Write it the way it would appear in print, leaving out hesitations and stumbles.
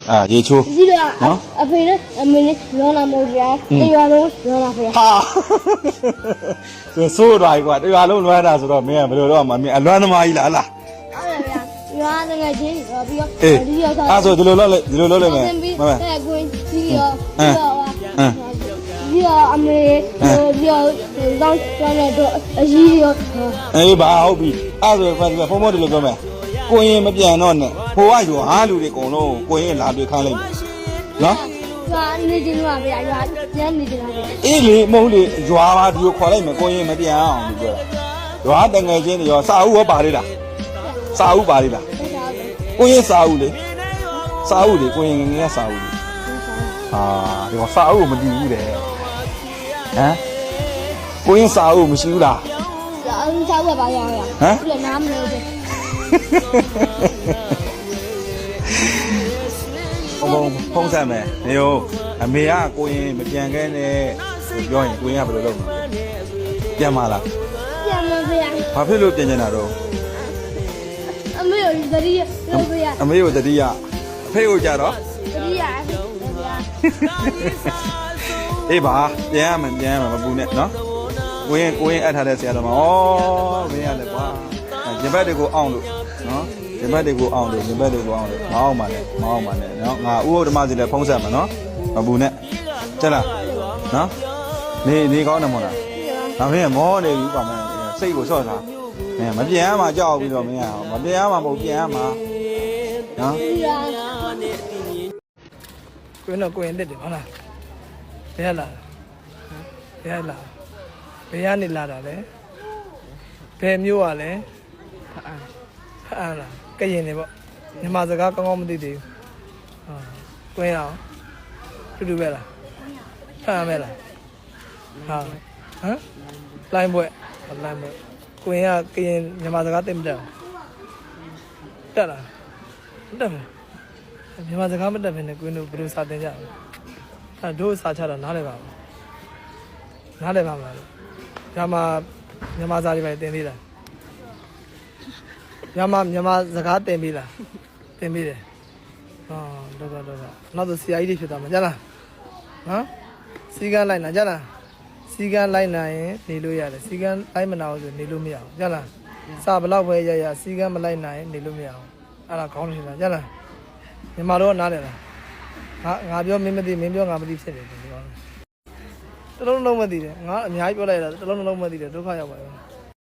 ရေချိုးနော်အဖေနဲ့အမေနဲ့လောလာမို့ဗျာတရားလုံးလောလာဖေဟာဆိုးသွားပြီကွာတရားလုံးလွှမ်းတာဆိုတော့မင်းကဘယ်လိုတော့မင်းအလွမ်းသမားကြီးလားဟလားဟုတ်တယ်ဗျာရွာငယ်ချင်းပြီးတော့ဒီရောက်တာအဲ့ဆိုဒီလိုလုပ်လိုက်မယ်တဲ့ကွင်းပြီးတော့အမေပြီးတော့တောင်းကျတဲ့တော့အကြီးရောအေးပါဟုတ်ပြီအဲ့ဆိုဖုန်းမဒီလိုပြောမယ်ကိုရင်မပြန်တော့နဲ့ဟိုကယူဟာလူတွေအကုန်လုံးကိုရင်လာတွေ့ခိုင်းလိုက်မယ်နော်ရွာနေချင်းပါဗျာရွာကျန်းနေကြတာအေးလေမဟုတ်လေရွာပါဒီကိုခေါ်လိုက်မယ်ကိုရင်မပြန်အောင်ပြောတာရွာတငယ်ချင်းတွေရောစာအုပ်ရောပါလေလားစာအုပ်ပါလေလားကိုရင်စာအုပ်လေစာအုပ်လေကိုရင်ငယ်ငယ်စာအုပ်လေဟာဒီကစာအုပ်မတည်ဘူးတဲ့ဟမ်ကိုရင်စာအုပ်မရှိဘူးလားစာအုပ်ပါရရဟမ်ပြီးတော့နားမလို့ဖုံးဆက်မယ်နေရောအမေကကိုရင်မပြန်ခဲ့နဲ့ပြောရင်ကိုရင်ကဘယ်လိုလုပ်မလဲပြန်မလားပြန်မဗျာဘာဖြစ်လို့ပြန်နေတာတော့အမေကိုတတိယလုပ်ဗျာအမေကိုတတိယအဖေကိုကြတော့တတိယအေးပါပြန်ရမယ်မပူနဲ့နော်ကိုရင်အပ်ထားတဲ့ဆရာတော်မှာဩမင်းရလဲကွာရင်ဘက်တွေကိုအောင်လို့နော်ရင်ဘက်တွေကိုအောင်လို့မအောင်ပါနဲ့နော်ငါဥဟုတ်ဓမ္မစီလည်းဖုံးဆက်မှာနော်မပူနဲ့ကျက်လားနော်နေကောင်းတယ်မို့လားဒါမင်းကမောနေပြီကွာမင်းစိတ်ကိုဆော့ထားမင်းမပြန်ရမှာကြောက်ပြီးတော့မင်းကမပြန်ရမှာမဟုတ်ပြန်ရမှာနော်ကိုင်းတော့ကိုင်းတက်တယ်ဟုတ်လားဘယ်လာဘယ်ကနေလာတာလဲဘယ်မျိုးอ่ะလဲဖအံလားကရင်နေပေါ့မြန်မာစကားကောင်းကောင်းမသိသေးဘူးကိုင်းအောင်တူပဲလားဖအံပဲလားဟာဟမ်လိုင်းဘွဲကိုင်းကကရင်မြန်မာစကားသိမတက်တက်လားတက်မယ်မြန်မာစကားမတက်ဘဲနဲ့ကိုင်းတို့ဘယ်လိုစာသင်ကြလဲအဲတို့စာချတာနားလည်ပါမလားမြန်မာစာတွေပဲသင်သေးလားမြန်မာစကားသင်ပြီးလားသင်ပြီးတယ်တော့နောက်တော့ဆရာကြီးတွေဖြစ်သွားမှာကြားလားနော်စီကန်းလိုက်နာကြားလားစီကန်းလိုက်နိုင်ရင်နေလို့ရတယ်စီကန်းလိုက်မနာဘူးဆိုနေလို့မရအောင်ကြားလားစာဘလောက်ပဲရစီကန်းမလိုက်နိုင်နေလို့မရအောင်အဲ့ဒါခေါင်းနေတာကြားလားမြန်မာတော့နားတယ်လားငါပြောမင်းမသိမင်းပြောငါမသိဖြစ်တယ်ဒီကောင်တလုံးလုံးမသိတယ်ငါအများကြီးပြောလိုက်တာတလုံးလုံးမသိတယ်ဒုက္ခရောက်ပါရော